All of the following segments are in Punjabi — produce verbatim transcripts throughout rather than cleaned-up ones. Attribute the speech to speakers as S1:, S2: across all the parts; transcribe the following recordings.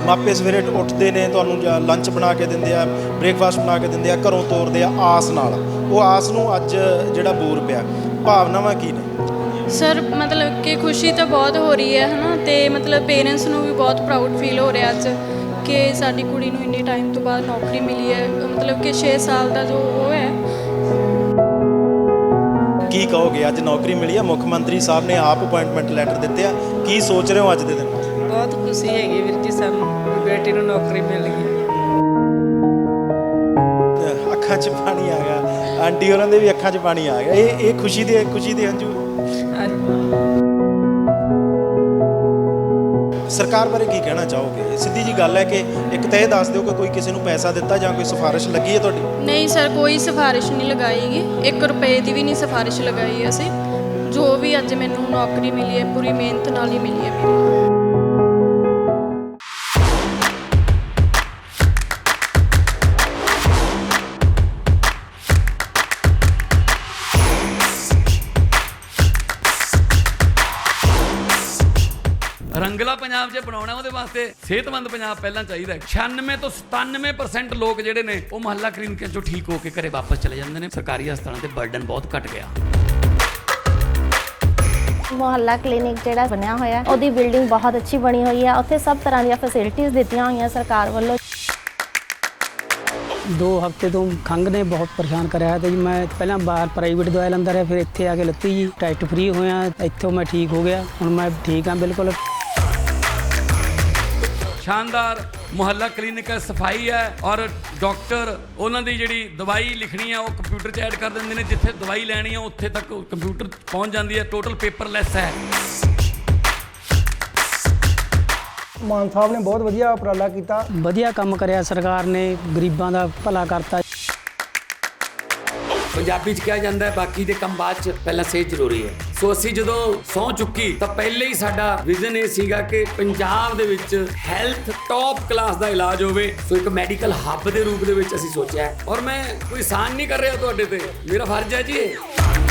S1: ਮਾਪੇ ਸਵੇਰੇ ਉੱਠਦੇ ਨੇ, ਤੁਹਾਨੂੰ ਲੰਚ ਬਣਾ ਕੇ ਦਿੰਦੇ ਆ, ਬ੍ਰੇਕਫਾਸਟ ਬਣਾ ਕੇ ਦਿੰਦੇ ਆ, ਘਰੋਂ ਤੋਰਦੇ ਆ ਆਸ ਨਾਲ। ਉਹ ਆਸ ਨੂੰ ਅੱਜ ਜਿਹੜਾ ਬੂਰ ਪਿਆ, ਭਾਵਨਾਵਾਂ ਕੀ ਨੇ
S2: ਸਰ? ਮਤਲਬ ਕਿ ਖੁਸ਼ੀ ਤਾਂ ਬਹੁਤ ਹੋ ਰਹੀ ਹੈ ਹੈ ਨਾ, ਅਤੇ ਮਤਲਬ ਪੇਰੈਂਟਸ ਨੂੰ ਵੀ ਬਹੁਤ ਪ੍ਰਾਊਡ ਫੀਲ ਹੋ ਰਿਹਾ ਅੱਜ ਕਿ ਸਾਡੀ ਕੁੜੀ ਨੂੰ ਇੰਨੇ ਟਾਈਮ ਤੋਂ ਬਾਅਦ ਨੌਕਰੀ ਮਿਲੀ ਹੈ। ਮਤਲਬ ਕਿ ਛੇ ਸਾਲ ਦਾ ਜੋ ਉਹ ਹੈ।
S1: ਕੀ ਕਹੋਗੇ, ਅੱਜ ਨੌਕਰੀ ਮਿਲੀ ਹੈ, ਮੁੱਖ ਮੰਤਰੀ ਸਾਹਿਬ ਨੇ ਆਪ ਅਪੁਆਇੰਟਮੈਂਟ ਲੈਟਰ ਦਿੱਤੇ ਆ, ਕੀ ਸੋਚ ਰਹੇ ਹੋ ਅੱਜ ਦੇ ਦਿਨ?
S3: ਬਹੁਤ ਖੁਸ਼ੀ ਹੈਗੀ ਵੀਰ ਜੀ, ਸਾਨੂੰ ਬੇਟੀ ਨੂੰ ਨੌਕਰੀ ਮਿਲ ਗਈ।
S1: ਅੱਖਾਂ 'ਚ ਪਾਣੀ ਆ ਗਿਆ, ਆਂਟੀ ਉਹਨਾਂ ਦੇ ਵੀ ਅੱਖਾਂ 'ਚ ਪਾਣੀ ਆ ਗਿਆ। ਇਹ ਇਹ ਖੁਸ਼ੀ ਦੇ ਖੁਸ਼ੀ ਦੇ ਹੰਝੂ। ਸਰਕਾਰ ਬਾਰੇ ਕੀ ਕਹਿਣਾ ਚਾਹੋਗੇ? ਸਿੱਧੀ ਜੀ ਗੱਲ ਹੈ ਕਿ ਇੱਕ ਤਾਂ ਇਹ ਦੱਸ ਦਿਓ ਕਿ ਕੋਈ ਕਿਸੇ ਨੂੰ ਪੈਸਾ ਦਿੱਤਾ ਜਾਂ ਕੋਈ ਸਿਫਾਰਿਸ਼ ਲੱਗੀ ਹੈ ਤੁਹਾਡੀ?
S2: ਨਹੀਂ ਸਰ, ਕੋਈ ਸਿਫਾਰਿਸ਼ ਨਹੀਂ ਲਗਾਈਗੀ, ਇੱਕ ਰੁਪਏ ਦੀ ਵੀ ਨਹੀਂ ਸਿਫਾਰਿਸ਼ ਲਗਾਈ ਅਸੀਂ। ਜੋ ਵੀ ਅੱਜ ਮੈਨੂੰ ਨੌਕਰੀ ਮਿਲੀ ਹੈ ਪੂਰੀ ਮਿਹਨਤ ਨਾਲ ਹੀ ਮਿਲੀ ਹੈ ਮੇਰੀ।
S4: ਰੰਗਲਾ ਪੰਜਾਬ ਜੇ ਬਣਾਉਣਾ ਉਹਦੇ ਵਾਸਤੇ ਸਿਹਤਮੰਦ ਪੰਜਾਬ ਪਹਿਲਾਂ ਚਾਹੀਦਾ। ਛਿਆਨਵੇਂ ਤੋਂ ਸਤਾਨਵੇਂ ਪਰਸੈਂਟ ਲੋਕ ਜਿਹੜੇ ਨੇ ਉਹ ਮੁਹੱਲਾ ਕਲੀਨਿਕਾਂ ਚੋਂ ਠੀਕ ਹੋ ਕੇ ਘਰੇ ਵਾਪਸ ਚਲੇ ਜਾਂਦੇ ਨੇ। ਸਰਕਾਰੀ ਹਸਪਤਾਲਾਂ ਤੇ ਬਰਡਨ ਬਹੁਤ ਘਟ ਗਿਆ।
S5: ਮੁਹੱਲਾ ਕਲੀਨਿਕ ਜਿਹੜਾ ਬਣਿਆ ਹੋਇਆ ਉਹਦੀ ਬਿਲਡਿੰਗ ਬਹੁਤ ਅੱਛੀ ਬਣੀ ਹੋਈ ਹੈ। ਉੱਥੇ ਸਭ ਤਰ੍ਹਾਂ ਦੀਆਂ ਫੈਸਿਲਿਟੀਆਂ ਦਿੱਤੀਆਂ ਹੋਈਆਂ ਸਰਕਾਰ ਵੱਲੋਂ।
S6: दो हफ्ते तो खंघ ने बहुत परेशान कराया तो जी मैं पहला बाहर प्राइवेट दवाई लंदा रहा, फिर इत्थे आके लत्ती जी टेस्ट फ्री होया, इत्थों मैं ठीक हो गया, हुण मैं ठीक हाँ बिल्कुल।
S4: शानदार ਮੁਹੱਲਾ ਕਲੀਨਿਕ ਹੈ, ਸਫਾਈ ਹੈ ਔਰ ਡਾਕਟਰ ਉਹਨਾਂ ਦੀ ਜਿਹੜੀ ਦਵਾਈ ਲਿਖਣੀ ਹੈ ਉਹ ਕੰਪਿਊਟਰ 'ਚ ਐਡ ਕਰ ਦਿੰਦੇ ਨੇ। ਜਿੱਥੇ ਦਵਾਈ ਲੈਣੀ ਹੈ ਉੱਥੇ ਤੱਕ ਕੰਪਿਊਟਰ ਪਹੁੰਚ ਜਾਂਦੀ ਹੈ। ਟੋਟਲ ਪੇਪਰਲੈਸ ਹੈ।
S7: ਮਾਨ ਸਾਹਿਬ ਨੇ ਬਹੁਤ ਵਧੀਆ ਉਪਰਾਲਾ ਕੀਤਾ,
S6: ਵਧੀਆ ਕੰਮ ਕਰਿਆ ਸਰਕਾਰ ਨੇ, ਗਰੀਬਾਂ ਦਾ ਭਲਾ ਕਰਤਾ।
S8: ਪੰਜਾਬੀ 'ਚ ਕਿਹਾ ਜਾਂਦਾ ਹੈ ਬਾਕੀ ਦੇ ਕੰਮ ਬਾਅਦ 'ਚ, ਪਹਿਲਾਂ ਸਿਹਤ ਜ਼ਰੂਰੀ ਹੈ। ਸੋ ਅਸੀਂ ਜਦੋਂ ਸਹੁੰ ਚੁੱਕੀ ਤਾਂ ਪਹਿਲੇ ਹੀ ਸਾਡਾ ਵਿਜ਼ਨ ਇਹ ਸੀਗਾ ਕਿ ਪੰਜਾਬ ਦੇ ਵਿੱਚ ਹੈਲਥ ਟੌਪ ਕਲਾਸ ਦਾ ਇਲਾਜ ਹੋਵੇ। ਸੋ ਇੱਕ ਮੈਡੀਕਲ ਹੱਬ ਦੇ ਰੂਪ ਦੇ ਵਿੱਚ ਅਸੀਂ ਸੋਚਿਆ ਔਰ ਮੈਂ ਕੋਈ ਆਸਾਨ ਨਹੀਂ ਕਰ ਰਿਹਾ ਤੁਹਾਡੇ ਤੇ, ਮੇਰਾ ਫਰਜ਼ ਹੈ ਜੀ ਇਹ।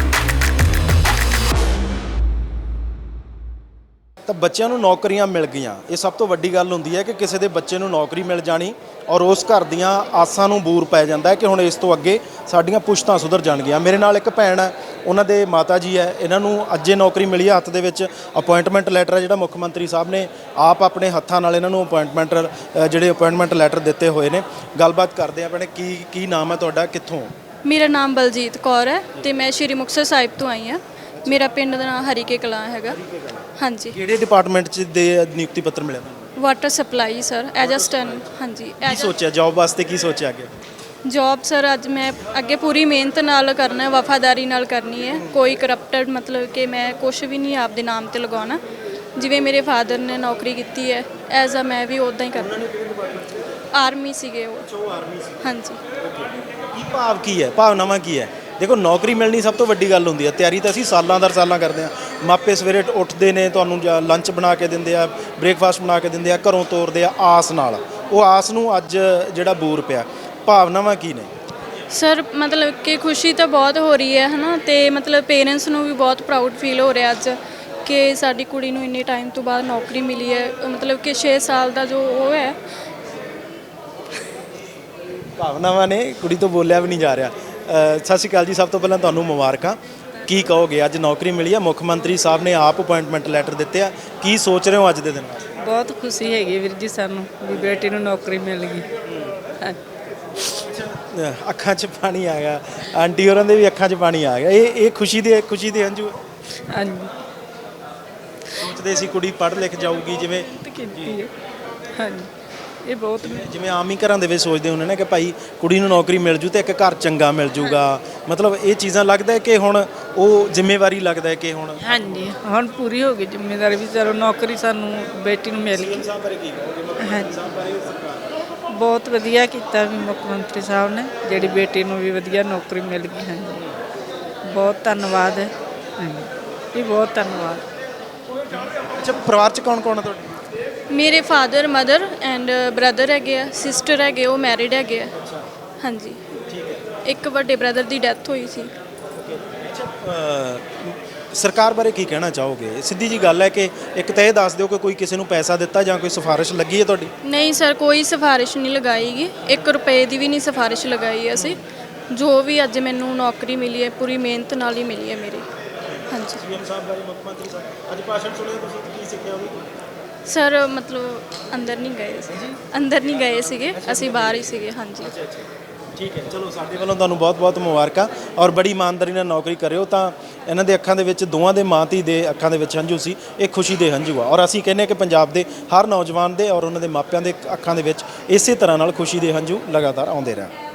S1: ਤਾਂ ਬੱਚਿਆਂ ਨੂੰ ਨੌਕਰੀਆਂ ਮਿਲ ਗਈਆਂ, ਇਹ ਸਭ ਤੋਂ ਵੱਡੀ ਗੱਲ ਹੁੰਦੀ ਹੈ ਕਿ ਕਿਸੇ ਦੇ ਬੱਚੇ ਨੂੰ ਨੌਕਰੀ ਮਿਲ ਜਾਣੀ ਔਰ ਉਸ ਘਰ ਦੀਆਂ ਆਸਾਂ ਨੂੰ ਬੂਰ ਪੈ ਜਾਂਦਾ ਹੈ ਕਿ ਹੁਣ ਇਸ ਤੋਂ ਅੱਗੇ ਸਾਡੀਆਂ ਪੁਸ਼ਤਾਂ ਸੁਧਰ ਜਾਣਗੀਆਂ। ਮੇਰੇ ਨਾਲ ਇੱਕ ਭੈਣ ਹੈ, ਉਹਨਾਂ ਦੇ ਮਾਤਾ ਜੀ ਹੈ, ਇਹਨਾਂ ਨੂੰ ਅੱਜੇ ਨੌਕਰੀ ਮਿਲੀ ਹੈ। ਹੱਥ ਦੇ ਵਿੱਚ ਅਪੁਆਇੰਟਮੈਂਟ ਲੈਟਰ ਹੈ ਜਿਹੜਾ ਮੁੱਖ ਮੰਤਰੀ ਸਾਹਿਬ ਨੇ ਆਪ ਆਪਣੇ ਹੱਥਾਂ ਨਾਲ ਇਹਨਾਂ ਨੂੰ ਅਪੁਆਇੰਟਮੈਂਟ ਜਿਹੜੇ ਅਪੁਆਇੰਟਮੈਂਟ ਲੈਟਰ ਦਿੱਤੇ ਹੋਏ ਨੇ। ਗੱਲਬਾਤ ਕਰਦੇ ਆ ਭੈਣੇ, ਕੀ ਕੀ ਨਾਮ ਹੈ ਤੁਹਾਡਾ, ਕਿੱਥੋਂ?
S2: ਮੇਰਾ ਨਾਮ ਬਲਜੀਤ ਕੌਰ ਹੈ ਅਤੇ ਮੈਂ ਸ਼੍ਰੀ ਮੁਕਤਸਰ ਸਾਹਿਬ ਤੋਂ ਆਈ ਹਾਂ। ਮੇਰਾ ਪਿੰਡ ਦਾ ਨਾਮ ਹਰੀਕੇ ਕਲਾਂ ਹੈਗਾ। ਹਾਂਜੀ।
S1: ਕਿਹੜੇ ਡਿਪਾਰਟਮੈਂਟ 'ਚ ਦੇ ਨਿਯੁਕਤੀ ਪੱਤਰ ਮਿਲਿਆ ਤੁਹਾਨੂੰ?
S2: Water supply sir, assistant. ਹਾਂਜੀ।
S1: ਕੀ ਸੋਚਿਆ ਜੌਬ ਵਾਸਤੇ, ਕੀ ਸੋਚਿਆ ਅੱਗੇ?
S2: ਜੌਬ ਸਰ ਅੱਜ ਮੈਂ ਅੱਗੇ ਪੂਰੀ ਮਿਹਨਤ ਨਾਲ ਕਰਨਾ, ਵਫਾਦਾਰੀ ਨਾਲ ਕਰਨੀ ਹੈ। ਕੋਈ ਕਰਪਟਡ ਮਤਲਬ ਕਿ ਮੈਂ ਕੁਛ ਵੀ ਨਹੀਂ ਆਪਦੇ ਨਾਮ 'ਤੇ ਲਗਾਉਣਾ। ਜਿਵੇਂ ਮੇਰੇ ਫਾਦਰ ਨੇ ਨੌਕਰੀ ਕੀਤੀ ਹੈ ਐਜ਼ ਅ ਮੈਂ ਵੀ ਉੱਦਾਂ ਹੀ ਕਰਨਾ। ਆਰਮੀ ਸੀਗੇ ਉਹ। ਹਾਂਜੀ।
S1: ਕੀ ਭਾਵ ਕੀ ਹੈ, ਭਾਵਨਾਵਾਂ ਕੀ ਹੈ? ਦੇਖੋ ਨੌਕਰੀ ਮਿਲਣੀ ਸਭ ਤੋਂ ਵੱਡੀ ਗੱਲ ਹੁੰਦੀ ਹੈ। ਤਿਆਰੀ ਤਾਂ ਅਸੀਂ ਸਾਲਾਂ ਦਰ ਸਾਲਾਂ ਕਰਦੇ ਹਾਂ। ਮਾਪੇ ਸਵੇਰੇ ਉੱਠਦੇ ਨੇ, ਤੁਹਾਨੂੰ ਲੰਚ ਬਣਾ ਕੇ ਦਿੰਦੇ ਆ, ਬ੍ਰੇਕਫਾਸਟ ਬਣਾ ਕੇ ਦਿੰਦੇ ਆ, ਘਰੋਂ ਤੋਰਦੇ ਆ ਆਸ ਨਾਲ। ਉਹ ਆਸ ਨੂੰ ਅੱਜ ਜਿਹੜਾ ਬੂਰ ਪਿਆ, ਭਾਵਨਾਵਾਂ ਕੀ ਨੇ
S2: ਸਰ? ਮਤਲਬ ਕਿ ਖੁਸ਼ੀ ਤਾਂ ਬਹੁਤ ਹੋ ਰਹੀ ਹੈ ਹੈ ਨਾ, ਅਤੇ ਮਤਲਬ ਪੇਰੈਂਟਸ ਨੂੰ ਵੀ ਬਹੁਤ ਪ੍ਰਾਊਡ ਫੀਲ ਹੋ ਰਿਹਾ ਅੱਜ ਕਿ ਸਾਡੀ ਕੁੜੀ ਨੂੰ ਇੰਨੇ ਟਾਈਮ ਤੋਂ ਬਾਅਦ ਨੌਕਰੀ ਮਿਲੀ ਹੈ। ਮਤਲਬ ਕਿ ਛੇ ਸਾਲ ਦਾ ਜੋ ਉਹ ਹੈ।
S1: ਭਾਵਨਾਵਾਂ ਨੇ, ਕੁੜੀ ਤੋਂ ਬੋਲਿਆ ਵੀ ਨਹੀਂ ਜਾ ਰਿਹਾ। ਸਤਿ ਸ਼੍ਰੀ ਅਕਾਲ ਜੀ, ਸਭ ਤੋਂ ਪਹਿਲਾਂ ਤੁਹਾਨੂੰ ਮੁਬਾਰਕਾਂ। ਕੀ ਕਹੋਗੇ, ਅੱਜ ਨੌਕਰੀ ਮਿਲੀ ਹੈ, ਮੁੱਖ ਮੰਤਰੀ ਸਾਹਿਬ ਨੇ ਆਪ ਅਪੁਆਇੰਟਮੈਂਟ ਲੈਟਰ ਦਿੱਤੇ ਆ, ਕੀ ਸੋਚ ਰਹੇ ਹੋ ਅੱਜ ਦੇ ਦਿਨ?
S3: ਬਹੁਤ ਖੁਸ਼ੀ ਹੈਗੀ ਵੀਰ ਜੀ, ਸਾਨੂੰ ਵੀ ਬੇਟੀ ਨੂੰ ਨੌਕਰੀ ਮਿਲ ਗਈ।
S1: ਅੱਖਾਂ 'ਚ ਪਾਣੀ ਆ ਗਿਆ, ਆਂਟੀ ਉਹਨਾਂ ਦੇ ਵੀ ਅੱਖਾਂ 'ਚ ਪਾਣੀ ਆ ਗਿਆ। ਇਹ ਇਹ ਖੁਸ਼ੀ ਦੇ ਖੁਸ਼ੀ ਦੇ ਹੰਝੂ।
S3: ਹਾਂਜੀ।
S1: ਸੋਚਦੇ ਸੀ ਕੁੜੀ ਪੜ੍ਹ ਲਿਖ ਜਾਊਗੀ, ਜਿਵੇਂ
S3: ਕੀਤੀ ਹੈ। ਹਾਂਜੀ। ਇਹ ਬਹੁਤ
S1: ਜਿਵੇਂ ਆਮ ਹੀ ਘਰਾਂ ਦੇ ਵਿੱਚ ਸੋਚਦੇ ਹੁੰਦੇ ਨੇ ਕਿ ਭਾਈ ਕੁੜੀ ਨੂੰ ਨੌਕਰੀ ਮਿਲ ਜੂ ਤੇ ਇੱਕ ਘਰ ਚੰਗਾ ਮਿਲ ਜੂਗਾ। ਮਤਲਬ ਇਹ ਚੀਜ਼ਾਂ ਲੱਗਦਾ ਹੈ ਕਿ ਹੁਣ ਉਹ ਜ਼ਿੰਮੇਵਾਰੀ ਲੱਗਦਾ ਹੈ ਕਿ ਹੁਣ
S3: ਹਾਂਜੀ ਹੁਣ ਪੂਰੀ ਹੋ ਗਈ ਜ਼ਿੰਮੇਵਾਰੀ ਵੀ। ਚਲੋ ਨੌਕਰੀ ਸਾਨੂੰ ਬੇਟੀ ਨੂੰ ਮਿਲ ਗਈ। ਹਾਂਜੀ। ਬਹੁਤ ਵਧੀਆ ਕੀਤਾ ਵੀ ਮੁੱਖ ਮੰਤਰੀ ਸਾਹਿਬ ਨੇ, ਜਿਹੜੀ ਬੇਟੀ ਨੂੰ ਵੀ ਵਧੀਆ ਨੌਕਰੀ ਮਿਲ ਗਈ। ਹਾਂਜੀ। ਬਹੁਤ ਧੰਨਵਾਦ ਹੈ। ਹਾਂਜੀ। ਇਹ ਬਹੁਤ ਧੰਨਵਾਦ।
S1: ਅੱਛਾ, ਪਰਿਵਾਰ 'ਚ ਕੌਣ ਕੌਣ ਹੈ ਤੁਹਾਡੇ?
S2: ਮੇਰੇ ਫਾਦਰ, ਮਦਰ ਐਂਡ ਬ੍ਰਦਰ ਹੈਗੇ ਆ, ਸਿਸਟਰ ਹੈਗੇ, ਉਹ ਮੈਰਿਡ ਹੈਗੇ ਆ। ਹਾਂਜੀ। ਇੱਕ ਵੱਡੇ ਬ੍ਰਦਰ ਦੀ ਡੈਥ ਹੋਈ ਸੀ।
S1: ਸਰਕਾਰ ਬਾਰੇ ਕੀ ਕਹਿਣਾ ਚਾਹੋਗੇ? ਸਿੱਧੀ ਜੀ ਗੱਲ ਹੈ ਕਿ ਇੱਕ ਤਾਂ ਇਹ ਦੱਸ ਦਿਓ ਕਿ ਕੋਈ ਕਿਸੇ ਨੂੰ ਪੈਸਾ ਦਿੱਤਾ ਜਾਂ ਕੋਈ ਸਿਫਾਰਿਸ਼ ਲੱਗੀ ਹੈ ਤੁਹਾਡੀ?
S2: ਨਹੀਂ ਸਰ, ਕੋਈ ਸਿਫਾਰਿਸ਼ ਨਹੀਂ ਲਗਾਈਗੀ, ਇੱਕ ਰੁਪਏ ਦੀ ਵੀ ਨਹੀਂ ਸਿਫਾਰਿਸ਼ ਲਗਾਈ ਅਸੀਂ। ਜੋ ਵੀ ਅੱਜ ਮੈਨੂੰ ਨੌਕਰੀ ਮਿਲੀ ਹੈ ਪੂਰੀ ਮਿਹਨਤ ਨਾਲ ਹੀ ਮਿਲੀ ਹੈ ਮੇਰੀ। ਹਾਂਜੀ
S1: ਸੀਐਮ ਸਾਹਿਬ ਬਾਰੇ, ਮੁੱਖ ਮੰਤਰੀ ਸਾਹਿਬ ਅੱਜ ਭਾਸ਼ਣ ਸੁਣਿਆ ਤੁਸੀਂ, ਕੀ ਸਿੱਖਿਆ ਹੋਵੇ?
S2: ਸਰ ਮਤਲਬ ਅੰਦਰ ਨਹੀਂ ਗਏ ਸੀ, ਅੰਦਰ ਨਹੀਂ ਗਏ ਸੀਗੇ, ਅਸੀਂ ਬਾਹਰ ਹੀ ਸੀਗੇ। ਹਾਂਜੀ
S1: ਠੀਕ ਹੈ, ਚਲੋ ਸਾਡੇ ਵੱਲੋਂ ਤੁਹਾਨੂੰ ਬਹੁਤ-ਬਹੁਤ ਮੁਬਾਰਕਾਂ ਔਰ ਬੜੀ ਇਮਾਨਦਾਰੀ ਨਾਲ ਨੌਕਰੀ ਕਰਿਓ। ਤਾਂ ਇਹਨਾਂ ਦੇ ਅੱਖਾਂ ਦੇ ਵਿੱਚ, ਦੋਵਾਂ ਦੇ ਮਾਂ ਧੀ ਦੇ ਅੱਖਾਂ ਦੇ ਵਿੱਚ ਹੰਝੂ ਸੀ, ਇਹ ਖੁਸ਼ੀ ਦੇ ਹੰਝੂ ਆ। ਔਰ ਅਸੀਂ ਕਹਿੰਦੇ ਹਾਂ ਕਿ ਪੰਜਾਬ ਦੇ ਹਰ ਨੌਜਵਾਨ ਦੇ ਔਰ ਉਹਨਾਂ ਦੇ ਮਾਪਿਆਂ ਦੇ ਅੱਖਾਂ ਦੇ ਵਿੱਚ ਇਸੇ ਤਰ੍ਹਾਂ ਨਾਲ ਖੁਸ਼ੀ ਦੇ ਹੰਝੂ ਲਗਾਤਾਰ ਆਉਂਦੇ ਰਹਿਣ।